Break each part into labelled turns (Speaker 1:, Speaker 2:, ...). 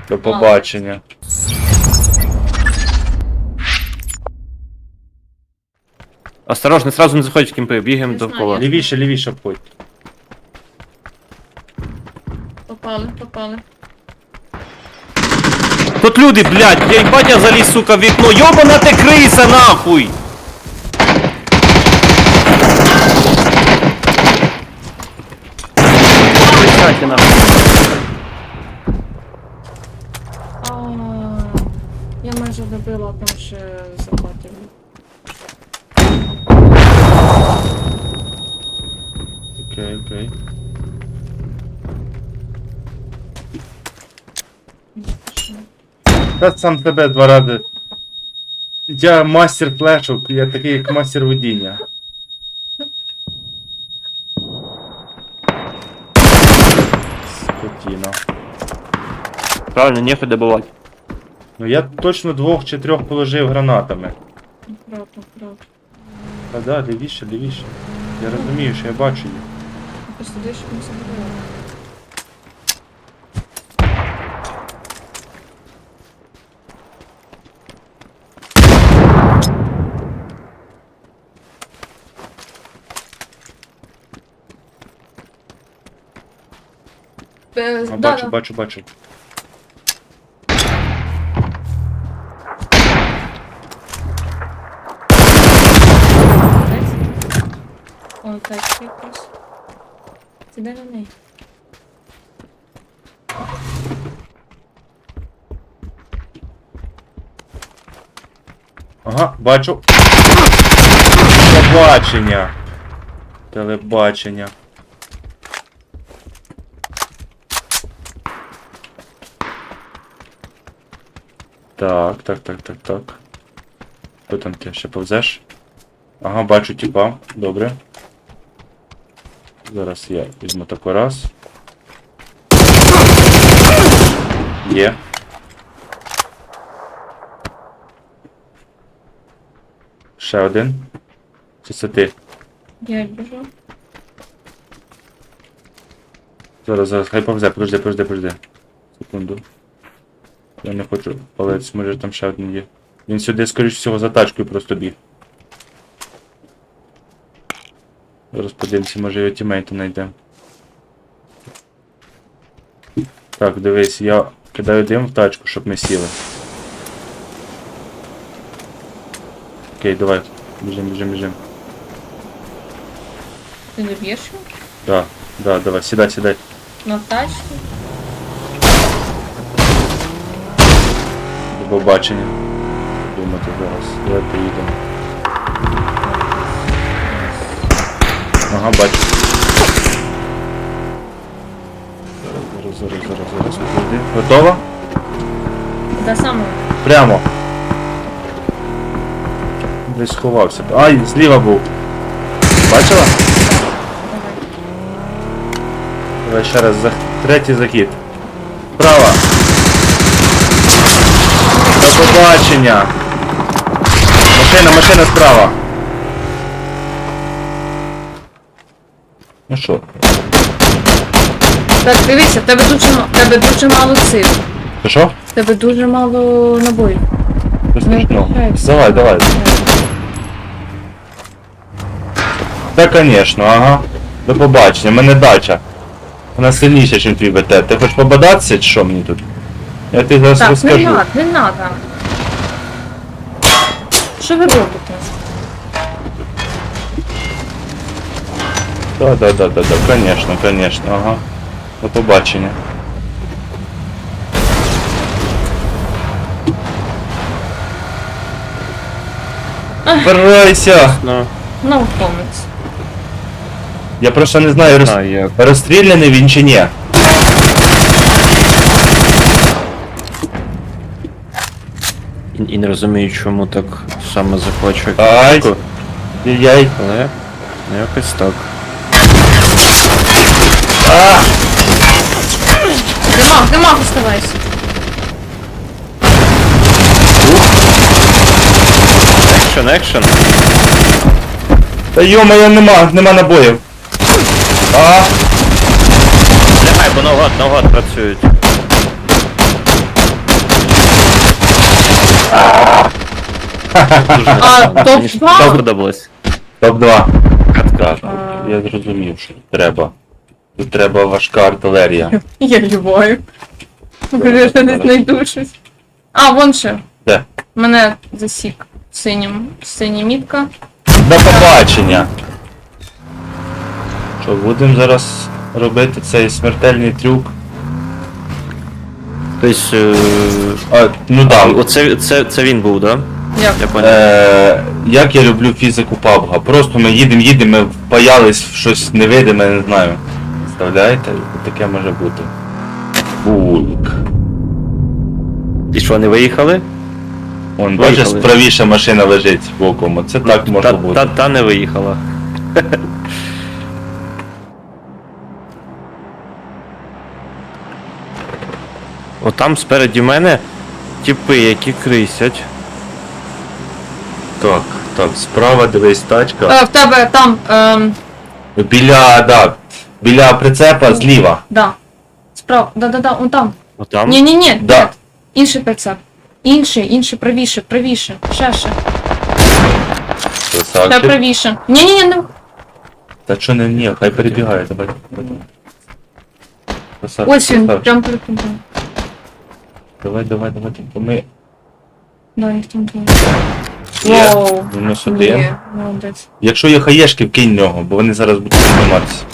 Speaker 1: До побачення.
Speaker 2: Осторожно, сразу не заходь в кімпи, бігаємо
Speaker 3: Не знаю,
Speaker 2: довкола.
Speaker 3: я-
Speaker 1: Лівіше, лівіше обходь.
Speaker 3: Попали.
Speaker 2: Тут люди, блядь, я їбать, я заліз, сука, в вікно. Йобана ти криса, нахуй! Присядьте, нахуй.
Speaker 3: Я майже добила, там ще захватив.
Speaker 1: Окей. Та сам тебе 2 рази. Я мастер флешок, я такий як мастер водіння. Скотіна.
Speaker 2: Правильно, нехуй добивати.
Speaker 1: Ну я точно 2 чи 3 положив гранатами.
Speaker 3: Правда.
Speaker 1: Та да, лівіше. Я розумію, що я бачу їх.
Speaker 3: Просто дещо не забуваю.
Speaker 1: А, бачу.
Speaker 3: Ой, тачка якась. Це де на неї?
Speaker 1: Ага, бачу. Телебачення. Так. Хто там ти ще повзеш? Ага, бачу тіпа. Добре. Зараз я візьму тако раз. Є. Ще один. Чи це ти?
Speaker 3: Я біжу.
Speaker 1: Зараз, хай повзе, подожди. Секунду. Я не хочу палець, може там ще один є. Він сюди, скоріш всього, за тачкою просто біг. Зараз подивимося, може його тімейта знайдемо. Так, дивись, я кидаю дим в тачку, щоб ми сіли. Окей, давай. Біжим.
Speaker 3: Ти не б'єш його?
Speaker 1: Да, давай, сідай.
Speaker 3: На тачку?
Speaker 1: До побачення. Думати зараз. Давай поїдемо. Ага, бачу. Зараз. Підійди. Готова?
Speaker 3: Куди саме?
Speaker 1: Прямо. Десь сховався. Ай, зліва був. Бачила?
Speaker 3: Давай.
Speaker 1: Давай ще раз. Третій захід. Права. До побачення. Машина справа. Ну що?
Speaker 3: Так, дивися, в тебе дуже мало сил.
Speaker 1: Що?
Speaker 3: В тебе дуже мало набоїв.
Speaker 1: Без страшного.
Speaker 3: виходить.
Speaker 1: Давай. Та, конечно, ага. До побачення, в мене дача. Вона сильніша, ніж твій БТ. Ти хочеш побадатися, чи що мені тут? Я тобі зараз
Speaker 3: Так,
Speaker 1: розкажу.
Speaker 3: не надо. Що ви робите?
Speaker 1: Да, конечно, ага. До побачення. Впирайся!
Speaker 2: Ну,
Speaker 3: Науковець.
Speaker 1: Я просто не знаю,
Speaker 2: як.
Speaker 1: розстріляний він чи ні.
Speaker 2: І не розумію, чому так саме захочу.
Speaker 1: Ай! Яй!
Speaker 2: Але якось так.
Speaker 3: Димах, оставайся.
Speaker 2: Екшен.
Speaker 1: Та йо-моє, нема набоїв.
Speaker 2: Лягай, бо наугад працюють.
Speaker 3: А,
Speaker 2: Мені ж
Speaker 3: топ-2?
Speaker 2: сподобалось.
Speaker 1: Топ-2.
Speaker 2: Катка.
Speaker 1: Так, я зрозумів, що тут треба. Тут треба важка артилерія.
Speaker 3: Я любою. Кажу, що не знайду щось. А, вон ще.
Speaker 1: Де?
Speaker 3: Мене засік синім. Синя мітка.
Speaker 1: До побачення! Що, будемо зараз робити цей смертельний трюк?
Speaker 2: Тобто,
Speaker 1: Ну да.
Speaker 2: це він був, да?
Speaker 3: Як?
Speaker 2: Я понял.
Speaker 1: Як я люблю фізику PUBG. Просто ми їдемо, ми впаялись в щось невидиме, не знаю. Представляєте? Таке може бути. Булк.
Speaker 2: І що, не виїхали?
Speaker 1: Вон,
Speaker 2: Виїхали.
Speaker 1: бачиш, правіша машина лежить боком. Оце так може бути.
Speaker 2: Та не виїхала. Отам спереді мене тіпи, які крисять.
Speaker 1: Так, так, справа дивись тачка.
Speaker 3: В тебе там,
Speaker 1: Біля прицепа зліва.
Speaker 3: да. Справа, да, он там.
Speaker 2: Отам.
Speaker 3: Ні,
Speaker 1: Да.
Speaker 3: нет. Інший прицеп. Інший, правіше. Ще. Ще
Speaker 1: Красавчик.
Speaker 3: правіше. Ні, не.
Speaker 1: Та що не ні, хай перебігає, давай. Красавчик,
Speaker 3: Ось він,
Speaker 1: красавчик.
Speaker 3: прям перед тобою.
Speaker 1: Давай. Ми...
Speaker 3: Да, їх там двоє.
Speaker 1: Є.
Speaker 3: Воу.
Speaker 1: Мінус один.
Speaker 3: Є, молодець.
Speaker 1: Якщо є хаєшки, вкинь нього, бо вони зараз будуть підніматися.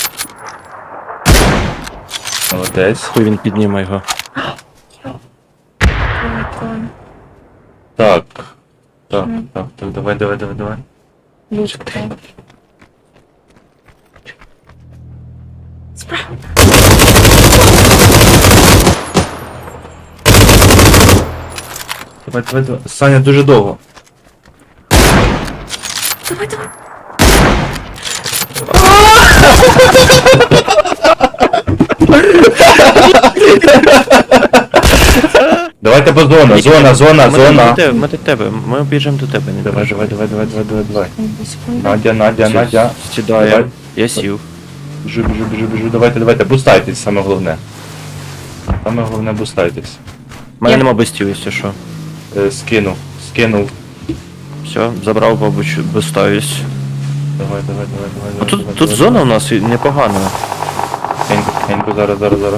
Speaker 1: Молодець.
Speaker 2: Хуй він підніме його.
Speaker 1: Так. Давай.
Speaker 3: Лучка. Справа.
Speaker 1: Давай. Саня дуже довго.
Speaker 3: Давай.
Speaker 1: Давайте по зона.
Speaker 2: Ми до тебе, ми обіжемо до тебе. Не
Speaker 1: Давай.
Speaker 3: Одну секунду.
Speaker 1: Надя.
Speaker 2: Сідає.
Speaker 1: Давай.
Speaker 2: Я сів.
Speaker 1: Біжу. Давайте. Бустайтесь, саме головне. Саме головне бустайтесь.
Speaker 2: У мене
Speaker 3: Я-
Speaker 2: нема бестів, якщо що.
Speaker 1: Скинув.
Speaker 2: Все, забрав, мабуть, безставість.
Speaker 1: Давай.
Speaker 2: Тут зона у нас і непогана.
Speaker 1: Хенько, зараз.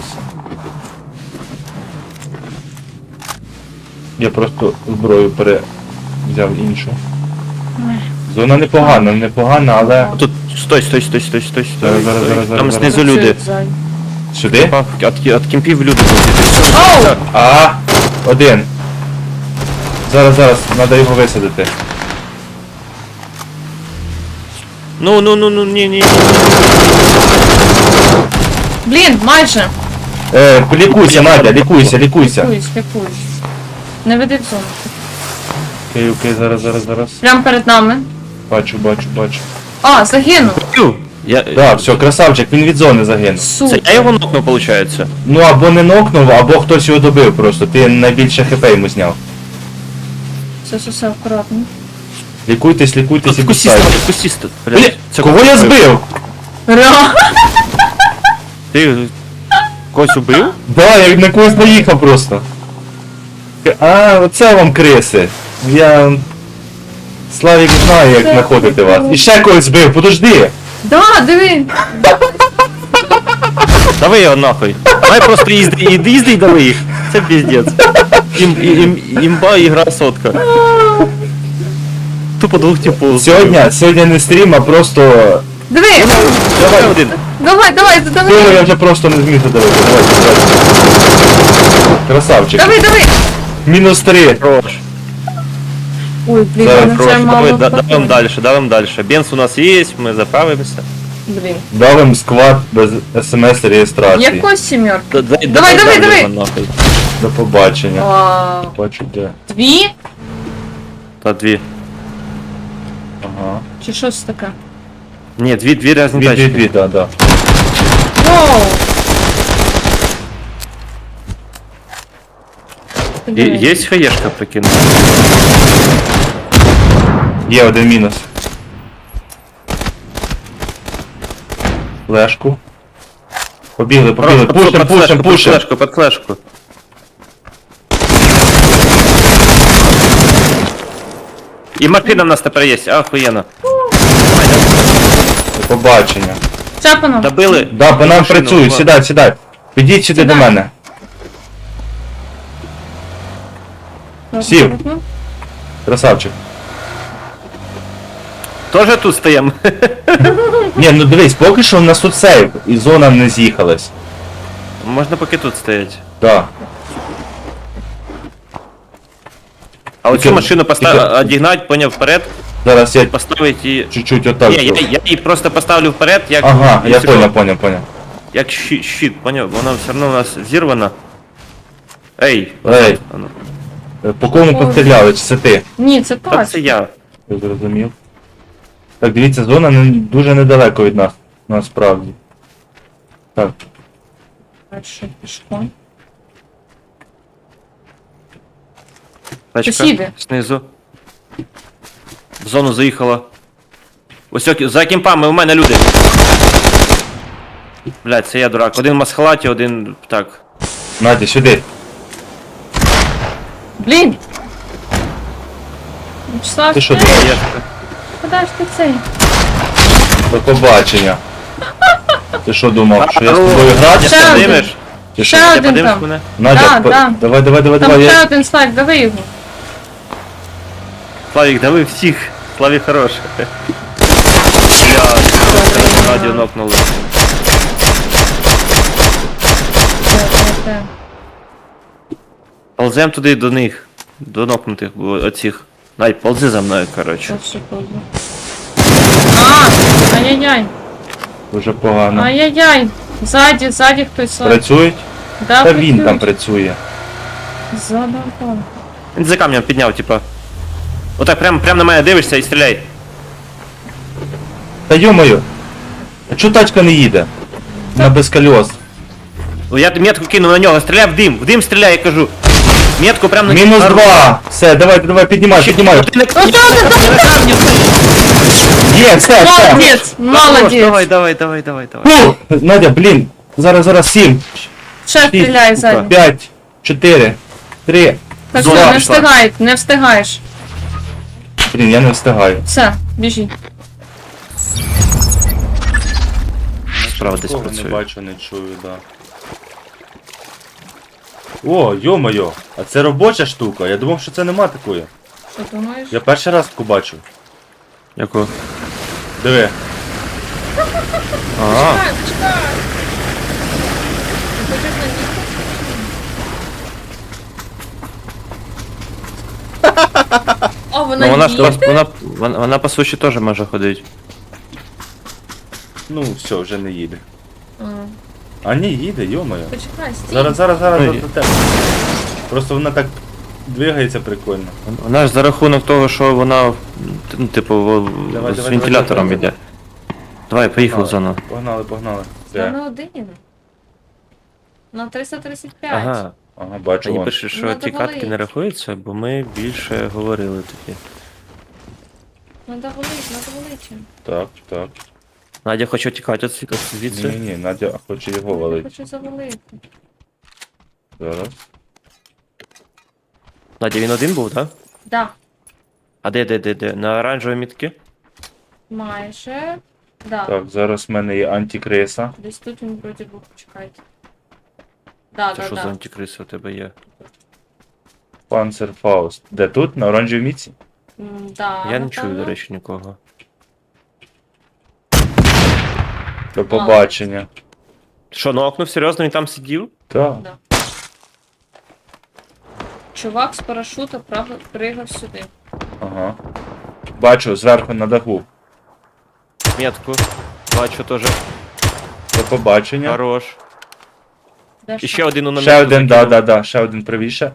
Speaker 1: Я просто зброю взяв іншу. Зона непогана, але...
Speaker 2: Тут, стой.
Speaker 1: Зараз.
Speaker 2: Там знизу люди.
Speaker 1: Сюди?
Speaker 2: От кемпів люди
Speaker 3: Оу!
Speaker 1: Один. Зараз, треба його висадити.
Speaker 2: Ну, ні.
Speaker 3: Блін, майже.
Speaker 1: Лікуйся, Надя, лікуйся.
Speaker 3: Лікуюсь. Не веди в зону.
Speaker 1: Окей, зараз.
Speaker 3: Прям перед нами.
Speaker 1: Бачу.
Speaker 3: А, загинув.
Speaker 1: Так, все, красавчик, він від зони загинув.
Speaker 2: Це
Speaker 3: Супер.
Speaker 2: я його нокнув, виходить.
Speaker 1: Ну або не нокнув, або хтось його добив просто. Ти найбільше хп йому зняв.
Speaker 3: Все, акуратно.
Speaker 1: Лікуйтесь і
Speaker 2: Кусіста,
Speaker 1: пускайте.
Speaker 2: блядь.
Speaker 1: Кого я збив?
Speaker 3: Ра!
Speaker 2: Ти когось убив?
Speaker 1: Да, я на когось наїхав просто. А, оце вам криси. Славік знає, як
Speaker 3: Це
Speaker 1: знаходити вас. І ще когось збив, подожди.
Speaker 3: Да, диви.
Speaker 2: Давай його нахуй. Давай просто їзди і давай їх. Це піздець. Імба ігра сотка. Тупо двох типу.
Speaker 1: Сьогодні не стрім, а просто...
Speaker 3: Диви.
Speaker 2: Давай один.
Speaker 3: Давай.
Speaker 1: Того я вже просто не зміг задавити. Давай. Красавчик.
Speaker 3: Давай.
Speaker 1: Мінус 3.
Speaker 2: Хорош.
Speaker 3: Ой, блін,
Speaker 1: Зараз,
Speaker 3: ну це
Speaker 2: Давай,
Speaker 3: мало.
Speaker 2: давим дальше. Бенз у нас є, ми заправимося.
Speaker 3: Блін.
Speaker 1: Дав їм сквад без смс реєстрації.
Speaker 3: Якось сімерка.
Speaker 2: Давай.
Speaker 3: Давай.
Speaker 2: Нахуй.
Speaker 1: До побачення.
Speaker 3: Вау.
Speaker 1: Бачу де.
Speaker 3: Дві?
Speaker 2: Та дві.
Speaker 1: Ага.
Speaker 3: Чи щось таке?
Speaker 2: Ні, дві різні тачки.
Speaker 1: Дві, да.
Speaker 3: Воу.
Speaker 2: Є хаєшка прикинути.
Speaker 1: Є один мінус. Флешку. Побігли. Пушим.
Speaker 2: Под флешку. І машина в нас тепер є, охуєнно.
Speaker 1: До побачення.
Speaker 3: Цапано.
Speaker 2: Добили.
Speaker 1: Да, по нам
Speaker 2: Машину,
Speaker 1: працюють,
Speaker 2: ба.
Speaker 1: сідай, сідай. Підіть сюди до
Speaker 3: Сідай.
Speaker 1: мене. Сів. Красавчик.
Speaker 2: Тоже тут стоїмо.
Speaker 1: Ні, ну дивись, поки що в нас тут сейв, і зона не з'їхалась.
Speaker 2: Можна поки тут стоять.
Speaker 1: Так.
Speaker 2: А оцю
Speaker 1: Тільки-
Speaker 2: машину
Speaker 1: тільки-
Speaker 2: одігнать, поняв, вперед,
Speaker 1: Зараз я
Speaker 2: поставить і...
Speaker 1: чуть-чуть отак.
Speaker 2: Ні, я її просто поставлю вперед, як...
Speaker 1: Ага, я
Speaker 2: якщо що,
Speaker 1: понял.
Speaker 2: Як щит, поняв? Вона все одно у нас зірвана. Ей,
Speaker 1: Ей.
Speaker 2: а ну.
Speaker 1: По кому постріляли, чи це ти?
Speaker 3: Ні, це
Speaker 2: Та
Speaker 3: так.
Speaker 2: це я.
Speaker 1: Я зрозумів. Так, дивіться, зона дуже недалеко від нас, насправді. Так,
Speaker 3: Перше пішло.
Speaker 2: Тачка
Speaker 3: Сусіди.
Speaker 2: знизу. В зону заїхала. Ось за кімпами у мене люди. Блядь, це я дурак. Один в масхалаті, один так.
Speaker 1: Надя, сюди.
Speaker 3: Блін! Вячеслав,
Speaker 1: Ти що
Speaker 3: ти?
Speaker 1: думаєш?
Speaker 2: Є.
Speaker 3: Куди ж ти цей?
Speaker 1: До побачення. Ти що думав, що я з
Speaker 2: Алло.
Speaker 1: тобою грати?
Speaker 3: Ще один.
Speaker 2: Подимеш?
Speaker 1: Чи
Speaker 3: Ще
Speaker 1: що?
Speaker 2: Ти
Speaker 3: один
Speaker 2: подимеш
Speaker 3: там.
Speaker 2: мене?
Speaker 1: Надя,
Speaker 3: Да.
Speaker 1: давай,
Speaker 3: Там
Speaker 1: давай,
Speaker 3: ще
Speaker 1: я...
Speaker 3: один слайд, дави його.
Speaker 2: Славік, дави всіх. Славі хорош. Блядь, Надю нокнули.
Speaker 3: Де.
Speaker 2: Ползем туди до них. До нокнутих оцих. Надь, ползи за мною, коротше.
Speaker 3: Що секунду. Ай-яй-яй.
Speaker 1: Дуже погано.
Speaker 3: Ай-яй-яй. Ззаді хтось слайд.
Speaker 1: Працюють?
Speaker 3: Да,
Speaker 1: Та він
Speaker 3: працюють.
Speaker 1: там працює.
Speaker 3: Задавав.
Speaker 2: Він за камнем підняв, типа. Отак прям на мене дивишся і стріляй.
Speaker 1: Та йо-моє, а чого тачка не їде? На без колес.
Speaker 2: Ну, я метку кинув на нього, стріляй в дим стріляй, я кажу. Метку прям на
Speaker 1: Мінус
Speaker 2: на-
Speaker 1: 2. Все, давай, піднімай.
Speaker 2: Ти не-
Speaker 1: Є, все.
Speaker 3: Молодець, молодець.
Speaker 2: Давай.
Speaker 1: Фу! Надя, блін. Зараз 7,
Speaker 3: Ще стріляй ззаді.
Speaker 1: 5, 4, 3.
Speaker 3: Так
Speaker 2: Зона
Speaker 3: що, не
Speaker 2: пішла.
Speaker 3: встигай, не встигаєш.
Speaker 1: Блін, я не встигаю.
Speaker 3: Все, біжи.
Speaker 2: Справа десь
Speaker 1: Такого не
Speaker 2: працює.
Speaker 1: бачу, не чую, да. О, йо-моє, а це робоча штука. Я думав, що це нема такої.
Speaker 3: Що думаєш?
Speaker 1: Я перший раз таку бачу.
Speaker 2: Яку?
Speaker 1: Диви.
Speaker 2: Ага.
Speaker 3: Чекай. О, вона
Speaker 2: Ну вона ж
Speaker 3: їде?
Speaker 2: вона по суші теж може ходити.
Speaker 1: Ну, все, вже не їде.
Speaker 3: А,
Speaker 1: А ні, їде, йо-моє.
Speaker 3: Почекай, стій.
Speaker 1: Зараз
Speaker 2: Ой.
Speaker 1: до тебе. Просто вона так двигається прикольно.
Speaker 2: Вона ж за рахунок того, що вона, ну, типу,
Speaker 1: Давай,
Speaker 2: з
Speaker 1: давай,
Speaker 2: вентилятором
Speaker 1: давай.
Speaker 2: йде. Давай, поїхав в зону.
Speaker 1: Погнали.
Speaker 3: Я
Speaker 1: Все.
Speaker 3: на один. На 335.
Speaker 2: Ага.
Speaker 1: Ага, бачу
Speaker 2: Мені
Speaker 1: вон.
Speaker 2: пише, що
Speaker 3: Надо
Speaker 2: ті катки
Speaker 3: валить.
Speaker 2: не рахуються, бо ми більше говорили тоді.
Speaker 3: Надо валити.
Speaker 1: Так.
Speaker 2: Надя хоче тікати звідси.
Speaker 1: Ні, Надя хоче його
Speaker 3: Я
Speaker 1: валити.
Speaker 3: хочу завалити.
Speaker 1: Зараз.
Speaker 2: Надя, він один був, так?
Speaker 3: Да,
Speaker 2: А де? На оранжевій мітки?
Speaker 3: майже. Да.
Speaker 1: Так, зараз в мене є антикриса.
Speaker 3: Десь тут він вроді був, почекайте. Да,
Speaker 2: Це
Speaker 3: да,
Speaker 2: що за
Speaker 3: да.
Speaker 2: антикриси у тебе є?
Speaker 1: Панцерфауст. Де тут? На оранжевій міці?
Speaker 3: Да,
Speaker 2: Я не чую,
Speaker 3: напевно.
Speaker 2: до речі, нікого.
Speaker 1: До побачення.
Speaker 2: Що, нокнув? Серйозно, він там сидів?
Speaker 1: Так.
Speaker 3: Да. Чувак з парашута пригав сюди.
Speaker 1: Ага. Бачу, зверху на даху.
Speaker 2: Метку. Бачу теж.
Speaker 1: До побачення.
Speaker 2: Хорош.
Speaker 3: Де
Speaker 2: І
Speaker 3: ж
Speaker 2: ще один у намітку
Speaker 1: Ще один,
Speaker 2: закинув.
Speaker 1: да. Ще один правіше.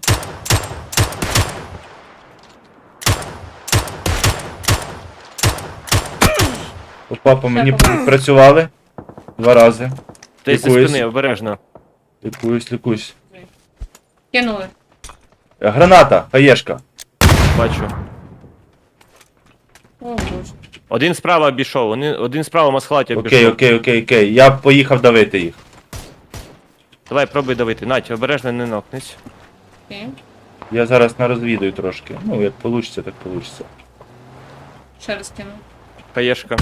Speaker 1: Опа, по мені
Speaker 3: Ще
Speaker 1: працювали. 2 рази.
Speaker 2: Ти зі
Speaker 1: Лікуюсь.
Speaker 2: спини, обережно.
Speaker 1: Лікуюсь.
Speaker 3: кинули?
Speaker 1: Граната, хаєшка.
Speaker 2: Бачу.
Speaker 3: О, боже.
Speaker 2: Один справа обійшов, один справа масхлаті обійшов.
Speaker 1: Окей. Я поїхав давити їх.
Speaker 2: Давай, пробуй давити. Надь, обережно не нокнись.
Speaker 3: Окей.
Speaker 1: Я зараз нарозвідую трошки. Ну, як получиться, так получиться.
Speaker 3: Ще раз кину.
Speaker 2: Хаєшка.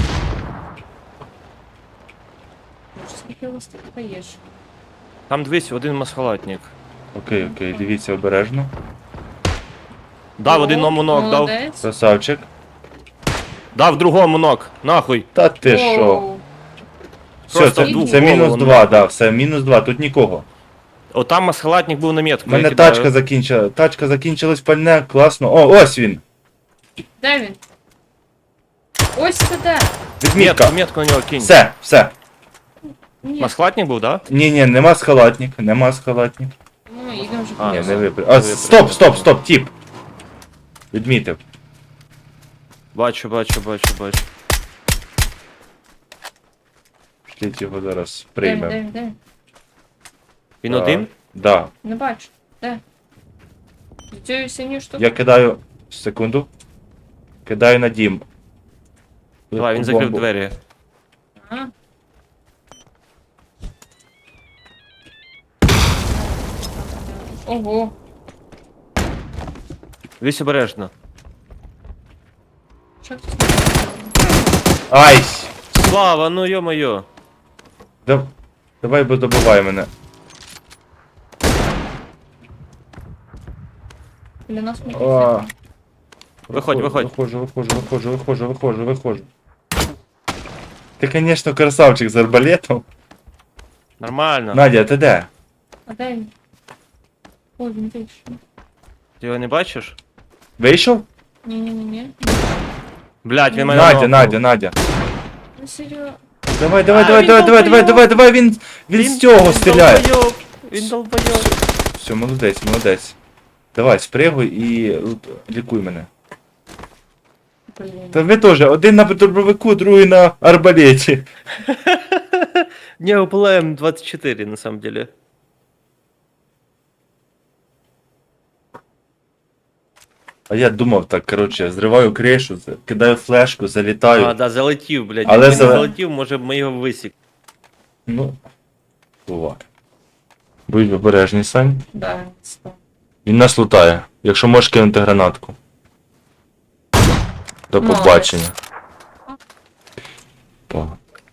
Speaker 3: Боже, скільки у вас тут поєш?
Speaker 2: Там дивись, один масхалатник.
Speaker 1: Окей, окей, дивіться обережно.
Speaker 2: Дав один ному ног, дав.
Speaker 3: Молодець.
Speaker 1: Красавчик.
Speaker 2: Дав другому ног. Нахуй.
Speaker 1: Та ти що?
Speaker 3: Оу.
Speaker 1: Все,
Speaker 2: Просто
Speaker 1: це,
Speaker 2: в
Speaker 1: це
Speaker 2: голову,
Speaker 1: мінус
Speaker 2: ну.
Speaker 1: 2, да, все, мінус 2, тут нікого.
Speaker 2: О, там масхалатник був на метку.
Speaker 1: У мене
Speaker 2: я кидаю.
Speaker 1: тачка закінчилась пальне, класно. О, ось він.
Speaker 3: Де він? Ось це де?
Speaker 1: Відмітка.
Speaker 2: Метку на нього кинь.
Speaker 1: Все.
Speaker 3: Ні.
Speaker 2: Масхалатник був, да?
Speaker 1: Ні, нема схалатник, нема схалатник.
Speaker 3: Ну, йдемо вже
Speaker 2: А,
Speaker 1: Ні,
Speaker 3: по
Speaker 1: не
Speaker 2: все.
Speaker 1: випри. А, стоп, тіп. Відмітив.
Speaker 2: Бачу.
Speaker 1: Шліть його зараз
Speaker 3: Де він,
Speaker 1: приймемо.
Speaker 3: де він, де він?
Speaker 2: Він
Speaker 1: Так.
Speaker 2: один?
Speaker 1: Да.
Speaker 3: Не бачу. Де? З цією синьою штукою?
Speaker 1: Я кидаю. Секунду. Кидаю на дім.
Speaker 2: Давай, він закрив
Speaker 1: Бомбу.
Speaker 3: А?
Speaker 2: двері.
Speaker 3: Ого.
Speaker 2: Дивись обережно.
Speaker 3: Що тут?
Speaker 1: Ай!
Speaker 2: Слава, ну йо-моє.
Speaker 1: Давай бо добивай мене.
Speaker 3: Біля нас ми
Speaker 1: А.
Speaker 2: Виходь.
Speaker 1: Виходжу. Ти, конечно, красавчик з арбалетом.
Speaker 2: Нормально.
Speaker 1: Надя, ти де?
Speaker 3: А де він? Ой, він вийшов.
Speaker 2: Ти його не бачиш?
Speaker 1: Вийшов?
Speaker 3: Ні.
Speaker 2: Блять, він мене
Speaker 1: Надя.
Speaker 3: Ну, серйозно.
Speaker 1: Давай, він з
Speaker 2: Він
Speaker 1: цього стріляє.
Speaker 2: Він долбойоб.
Speaker 1: Все, молодець. Давай, спригуй і лікуй мене.
Speaker 3: Блін.
Speaker 1: Та ви теж, один на дробовику, другий на арбалеті.
Speaker 2: Не, УПЛ М24 на самом деле.
Speaker 1: А я думав так, коротше, зриваю кришу, кидаю флешку, залітаю.
Speaker 2: А, да, залетів, блядь.
Speaker 1: Але
Speaker 2: Якби не
Speaker 1: за-
Speaker 2: залетів, може б ми його висік.
Speaker 1: Ну, буває. Будь обережний, Сань.
Speaker 3: Да, стоп.
Speaker 1: Він нас лутає. Якщо можеш кинути гранатку. До
Speaker 3: Молодець.
Speaker 1: побачення. О.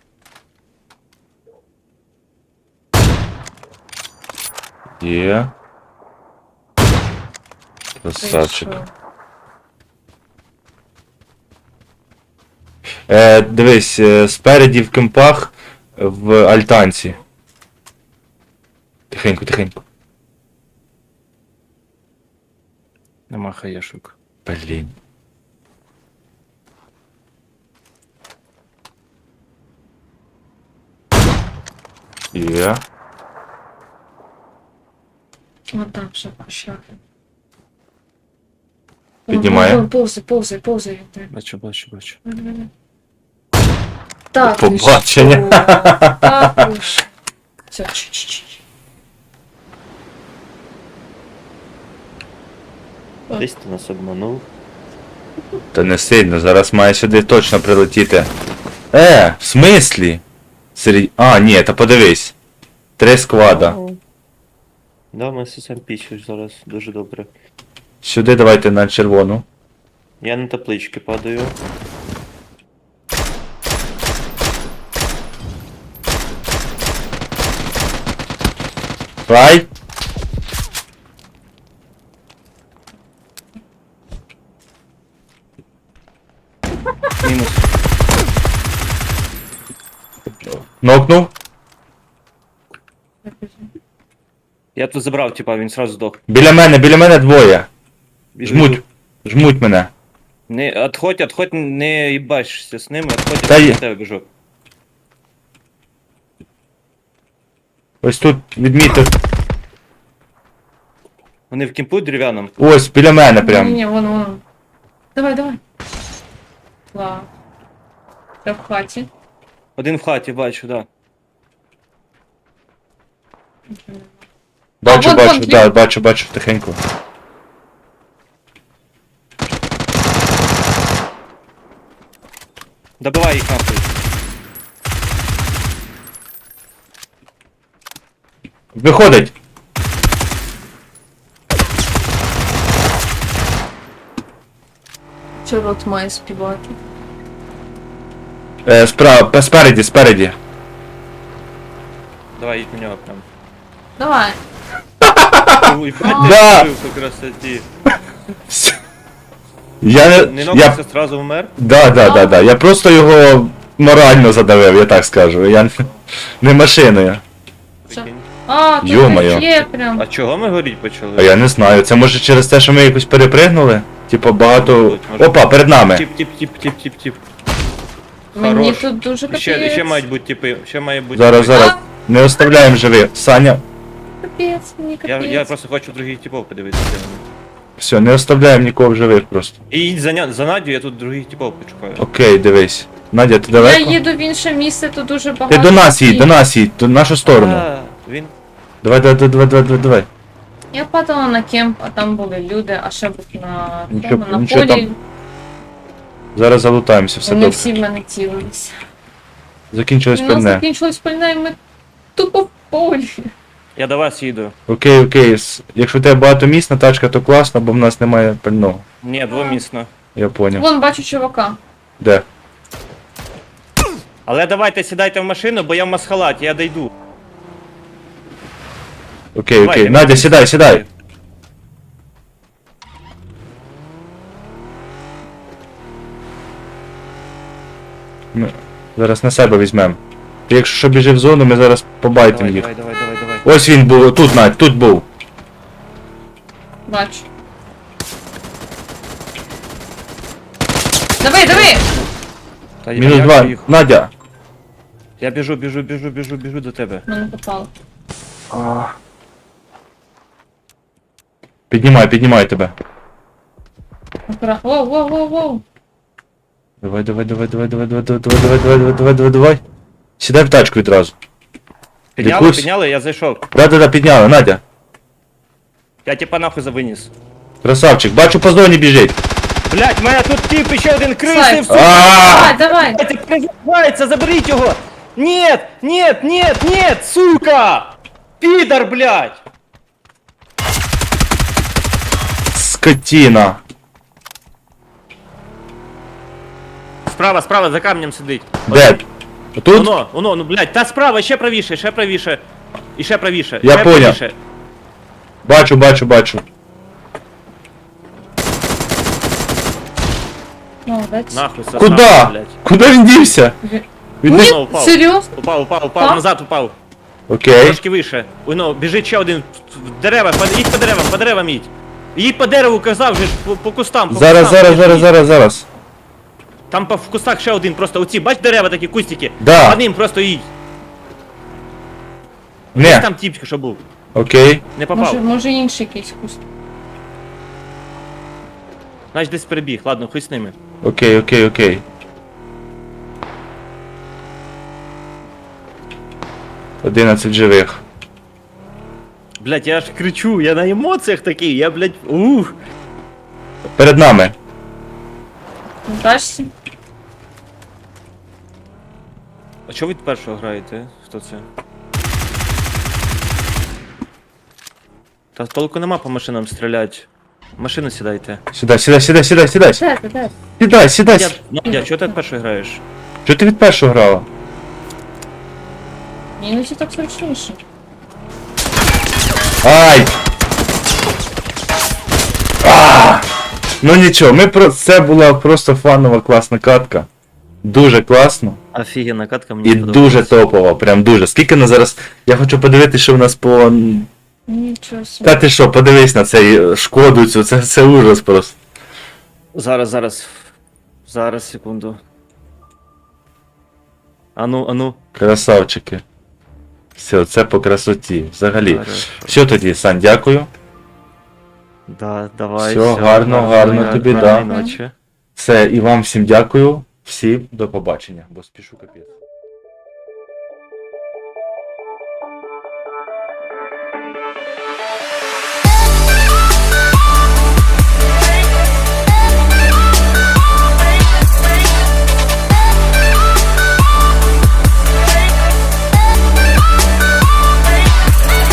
Speaker 1: Є. Красавчик.
Speaker 3: Вийшов.
Speaker 1: Дивись, спереді в кемпах в альтанці. Тихенько.
Speaker 2: Нема хаєшок.
Speaker 1: Блін. Є.
Speaker 3: Отак вже пошляхи.
Speaker 1: Піднімає.
Speaker 3: Повзай.
Speaker 2: Бачу.
Speaker 3: Так,
Speaker 1: До побачення.
Speaker 3: ви що? Так, ви що? Все, чуть-чуть.
Speaker 2: Десь ти нас обманув.
Speaker 1: Та не сильно, зараз має сюди точно прилетіти. В смислі? А, ні, та подивись. 3 сквада.
Speaker 2: Да, ми сам пічуть зараз дуже добре.
Speaker 1: Сюди давайте на червону.
Speaker 2: Я на таблички падаю.
Speaker 1: Рай.
Speaker 2: Мінус.
Speaker 1: Нокнув.
Speaker 2: Я тут забрав, типа, він сразу здох.
Speaker 1: Біля мене двоє.
Speaker 2: Біжу.
Speaker 1: Жмуть мене.
Speaker 2: Не, отходь, не їбашся з ними, отходь,
Speaker 1: Та
Speaker 2: я
Speaker 1: є.
Speaker 2: до тебе біжу.
Speaker 1: Ось тут відмітив.
Speaker 2: Вони в кімпу дерев'яному.
Speaker 1: Ось, біля мене прям.
Speaker 3: Ні, вон. Давай. Ла. Це в хаті.
Speaker 2: Один в хаті, бачу, да.
Speaker 1: Бачу,
Speaker 3: вон,
Speaker 1: да, бачу, тихенько.
Speaker 2: Добивай їх нахуй.
Speaker 1: Виходить.
Speaker 3: Що рот має співати?
Speaker 1: Справа, спереді.
Speaker 2: Давай, їдь на нього прям.
Speaker 3: Давай.
Speaker 2: Ой,
Speaker 1: Да.
Speaker 2: по красоті.
Speaker 1: Я
Speaker 2: Не
Speaker 1: не...
Speaker 2: нокнувся, сразу вмер.
Speaker 1: Да. Я просто його морально задавив, я так скажу. Я не машиною.
Speaker 2: Прикинь.
Speaker 3: А, тут
Speaker 1: Ё-моё.
Speaker 3: є прям.
Speaker 2: А чого ми горіть почали?
Speaker 1: А я не знаю, це може через те, що ми якось перепригнули? Типа багато...
Speaker 2: Може.
Speaker 1: Опа, перед нами.
Speaker 2: Тіп.
Speaker 3: Мені
Speaker 2: Хорош.
Speaker 3: тут дуже капець.
Speaker 2: Ще мають бути типи, ще має бути.
Speaker 1: Зараз. Не оставляємо живих. Саня,
Speaker 3: Капець, мені капець.
Speaker 2: Я просто хочу других типов подивитися.
Speaker 1: все, не оставляємо нікого в живих просто.
Speaker 2: І їдь за Надю, я тут других типов почекаю.
Speaker 1: Окей, дивись. Надя, ти
Speaker 3: Я
Speaker 1: далеко?
Speaker 3: їду в інше місце, тут дуже багато.
Speaker 1: Ти до нас їдь,
Speaker 3: всіх.
Speaker 1: до нашу сторону.
Speaker 2: А, він.
Speaker 1: Давай.
Speaker 3: Я падала на кемп, а там були люди, а ще був на
Speaker 1: Нічого-
Speaker 3: тому, на
Speaker 1: нічого
Speaker 3: полі.
Speaker 1: там. Зараз залутаємося, все
Speaker 3: Вони
Speaker 1: добре.
Speaker 3: всі в мене цілилися.
Speaker 1: Закінчилось
Speaker 3: У нас
Speaker 1: пальне.
Speaker 3: закінчилось пальне, і ми тупо в полі.
Speaker 2: Я до вас їду.
Speaker 1: Окей. Якщо у тебе багатомісна тачка, то класно, бо в нас немає пального.
Speaker 2: Ні, двомісно.
Speaker 1: Я поняв.
Speaker 3: Вон бачу чувака.
Speaker 1: Де?
Speaker 2: Але давайте сідайте в машину, бо я в масхалаті, я дойду.
Speaker 1: Окей.
Speaker 2: Давай,
Speaker 1: Надя,
Speaker 2: давай.
Speaker 1: сідай. Ми зараз на себе візьмемо. Ти якщо що біжи в зону, ми зараз побайтимо їх.
Speaker 2: Давай.
Speaker 1: Ось він був, тут, Надь, тут був.
Speaker 3: Бачу. Давай!
Speaker 2: Та
Speaker 1: Мінус
Speaker 2: як
Speaker 1: 2.
Speaker 2: їх?
Speaker 1: Надя.
Speaker 2: Я біжу до тебе.
Speaker 3: Мене попало.
Speaker 1: Піднімай тебе.
Speaker 3: Воу.
Speaker 1: Давай. Сідай в тачку відразу. Якусь-
Speaker 2: Підняли, я зайшов.
Speaker 1: Да, підняли, Надя.
Speaker 2: Я типа нахуй завиніс.
Speaker 1: Красавчик, бачу по зоні біжить.
Speaker 2: Блять, мене тут тип ще один крисив,
Speaker 3: Слайд.
Speaker 2: сука!
Speaker 3: Давай!
Speaker 2: Блядь, призивається, заберіть його! Нет, сука! Підар, блядь!
Speaker 1: Скотина.
Speaker 2: Справа, за камнем сидить.
Speaker 1: Де? Тут?
Speaker 2: Оно, ну блядь, та справа, ще правіше. І ще правіше.
Speaker 1: Я
Speaker 2: ще
Speaker 1: поняв.
Speaker 2: правіше.
Speaker 1: Бачу.
Speaker 3: Молодець.
Speaker 2: Нахуй сосна,
Speaker 1: Куда?
Speaker 2: блядь.
Speaker 1: Куди він дівся? Він не...
Speaker 3: Ні,
Speaker 2: упав.
Speaker 3: серйозно?
Speaker 2: Упав, назад упав.
Speaker 1: Окей.
Speaker 2: Трошки вище. Оно, біжить ще один в дерева, їдь по деревам їдь. Їдь по дереву, казав же, по кустам.
Speaker 1: Зараз.
Speaker 2: Там в кустах ще один, просто оці, бач дерева такі, кустики.
Speaker 1: Да.
Speaker 2: По ним просто їдь.
Speaker 1: Не.
Speaker 2: Там тіпчик, що був.
Speaker 1: Окей.
Speaker 2: Не попав.
Speaker 3: Може інший якийсь куст.
Speaker 2: Значить десь перебіг, ладно, хуй з ними.
Speaker 1: Окей. 11 живих.
Speaker 2: Блять, я аж кричу, я на емоціях такий, я, блять, ух.
Speaker 1: Перед нами.
Speaker 3: Дашся?
Speaker 2: А чого ви першого граєте? Хто це? Та толку нема по машинам стріляти. В машину сідайте.
Speaker 1: Сідай.
Speaker 3: Де?
Speaker 1: Сідай.
Speaker 2: Надя, чого ти перший граєш?
Speaker 1: Чого ти від першого грала?
Speaker 3: Іноді так зручніше.
Speaker 1: Ай! Ну нічого, це була просто фанова класна катка. Дуже класно.
Speaker 2: Офігенна катка мені
Speaker 1: І дуже топова, прям дуже. Скільки на зараз. Я хочу подивитися, що в нас по.
Speaker 3: Нічого собі.
Speaker 1: Та ти що, подивись на цей шкоду цю, це ужас просто.
Speaker 2: Зараз, секунду. Ану.
Speaker 1: Красавчики. Все, це по красоті. Взагалі.
Speaker 2: Хорошо.
Speaker 1: Все тоді, Сань, дякую.
Speaker 2: Да, давай.
Speaker 1: Всьо, гарно тобі, да.
Speaker 2: Ночі.
Speaker 1: Все, і вам всім дякую. Всім до побачення, бо спішу капець.